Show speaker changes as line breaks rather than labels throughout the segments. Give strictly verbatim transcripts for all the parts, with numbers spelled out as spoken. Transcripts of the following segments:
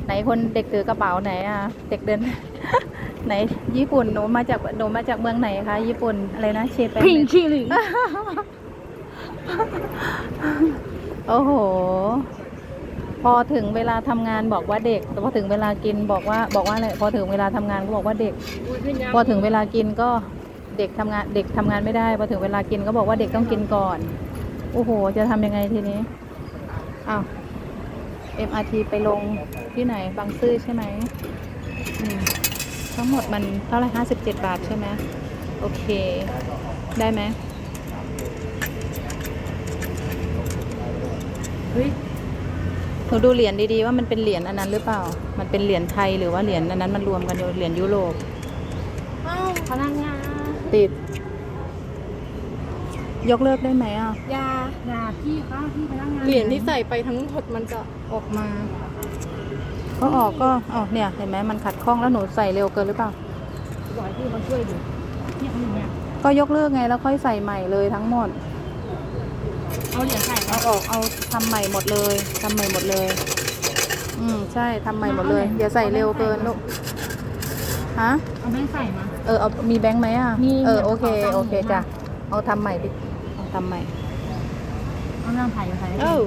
ไหนคนเด็กถือกระเป๋าไหนอ่ะเด็กเดิน ไหนญี่ปุ่นหนูมาจากหนูมาจากเมืองไหนคะญี่ปุ่นอะไรนะเชเปน
พิงชิลิง
โอ้โหพอถึงเวลาทำงานบอกว่าเด็กแต่พอถึงเวลากินบอกว่าบอกว่าอะไรพอถึงเวลาทำงานก็บอกว่าเด็ก พอถึงเวลากินก็เด็กทำงานเด็กทำงานไม่ได้พอถึงเวลากินก็บอกว่าเด็กต้องกินก่อนโอ้โหจะทำยังไงทีนี้อ้าว เอ็ม อาร์ ที ไปลงที่ไหนบางซื่อใช่ไหมอืมทั้งหมดมันเท่าไหร่ห้าสิบเจ็ดบาทใช่ไหมโอเคได้ไหมเฮ้ยหนูดูเหรียญดีๆว่ามันเป็นเหรียญอันนั้นหรือเปล่ามันเป็นเหรียญไทยหรือว่าเหรียญอันนั้นมันรวมกันอยู่เหรียญยุโรป
อ้าวพนักงาน
ติดยกเลิกได้ไหมอ่ะ
ยายาพี่คะพี่พนักงาน
เหรียญที่ใส่ไปทั้งหมดมันจะออกมา
ก็ออกก็อ๋อเนี่ยเห็นไหมมันขัดข้องแล้วหนูใส่เร็วเกินหรือเปล่า
บอกให้พี่มาช่วยดูเนี่ยเอาอย่างเงี้ย
ก็ยกเลิกไงแล้วค่อยใส่ใหม่เลยทั้งหมด
เอาเหรียญใส่
เอาออกเอาทำใหม่หมดเลยทำใหม่หมดเลย อืมใช่ทำใหม่หมดเลยอย่าใส่เร็วเกินลูกฮะ
เอาแม่งใส่มา
เออเอามีแบงค์ไหมอ่ะ
มี
เออโอเค
เอาตังค์
โอเค
มา
จ้ะเอาทำใหม่ดิเอาทำใหม่
เอาน้ำไผ่มาใส่
เออ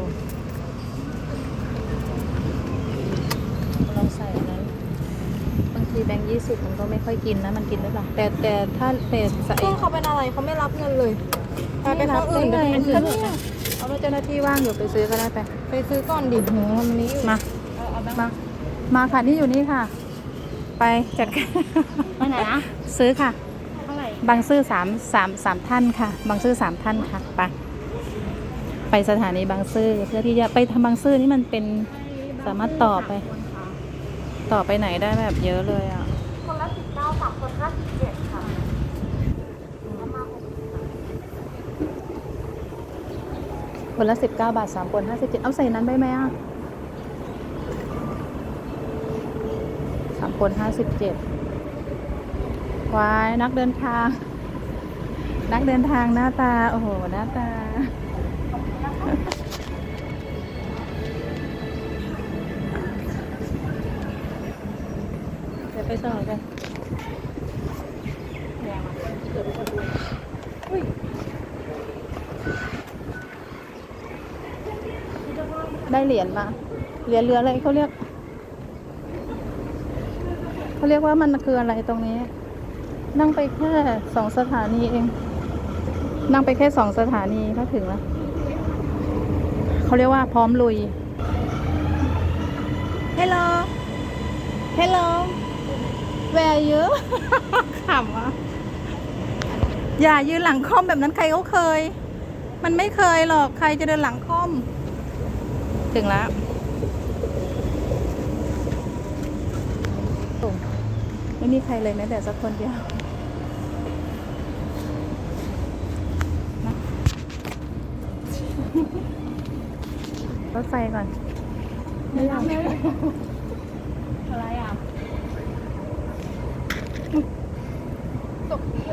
ลองใส่อันนั้นบางทีแบงค์ยี่สิบมันก็ไม่ค่อยกินนะมันกินหรือเปล่าแต่แต่ถ้าแต่ใส่
ก็เขาเป็นอะไรเขาไม่รับเงินเลยไปไปข้ออื่น
ได้
ไป
ไง
เป็น
ก็
อื่น
เนี่ยเอาแล้วเจ้าหน้าที่ว่างอยู่ไปซื้อก็ได้ไป
ไปซื้อก่อนดิโหมันนี้อยู่
มา มา มาค่ะนี่อยู่นี่ค่ะ ไปจัดการ
ไปไหนนะ
ซื้อค่ะ
เท่าไหร่
บางซื่อสามสามสามท่านค่ะ บางซื่อสามท่านค่ะ ไป ไปสถานีบางซื่อเพื่อที่จะไปทำบางซื่อนี่มันเป็นสามารถต่อไป ต่อไปไหนได้แบบเยอะเลยอ่ะ
คนละสิบเก้าสามคนห้าสิบเจ็ดค่ะ
คนละสิบเก้าบาทสามคนห้าสิบเจ็ดเอาใส่นั้นได้ไหมอ่ะสามคนห้าสิบเจ็ดวายนักเดินทาง นักเดินทางหน้าตา โอ้โห หน้าตา เดี๋ยวไปต่อกันได้เหรียญมา เหรียญเรืออะไรเขาเรียก เขาเรียกว่ามันคืออะไรตรงนี้ นั่งไปแค่สองสถานีเอง นั่งไปแค่สองสถานีก็ถึงแล้ว เขาเรียกว่าพร้อมลุย Hello Hello Where are you ขำอ่ะ อย่ายืนหลังค่อมแบบนั้นใครเขาเคย มันไม่เคยหรอก ใครจะเดินหลังค่อม ถึงแล้วโอ้ไม่มีใครเลยแม้แต่สักคนเดียวนะรถไฟก่อนไม่อยาก
อะไรอ่ะ
ตกเที่ยว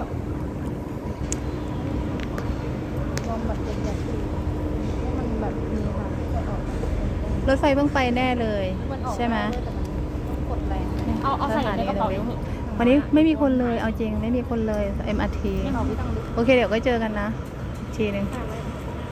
ลองแบบเป็นแบบมันแบบมีค่ะรถไฟเพิ่งไปแน่เลยใช่ไหม
กดแรง
เอาเอาใส่ในกระเป๋า
นี้
เดี๋ยวเหอะ
วันนี้ไม่มีคนเลยเอาจริงไม่มีคนเลย เอ็ม อาร์ ที
ไม่เอาพี่ตั้งดู
โอเคเดี๋ยวก็เจอกันนะอีกทีหนึ่ง
ค่ะ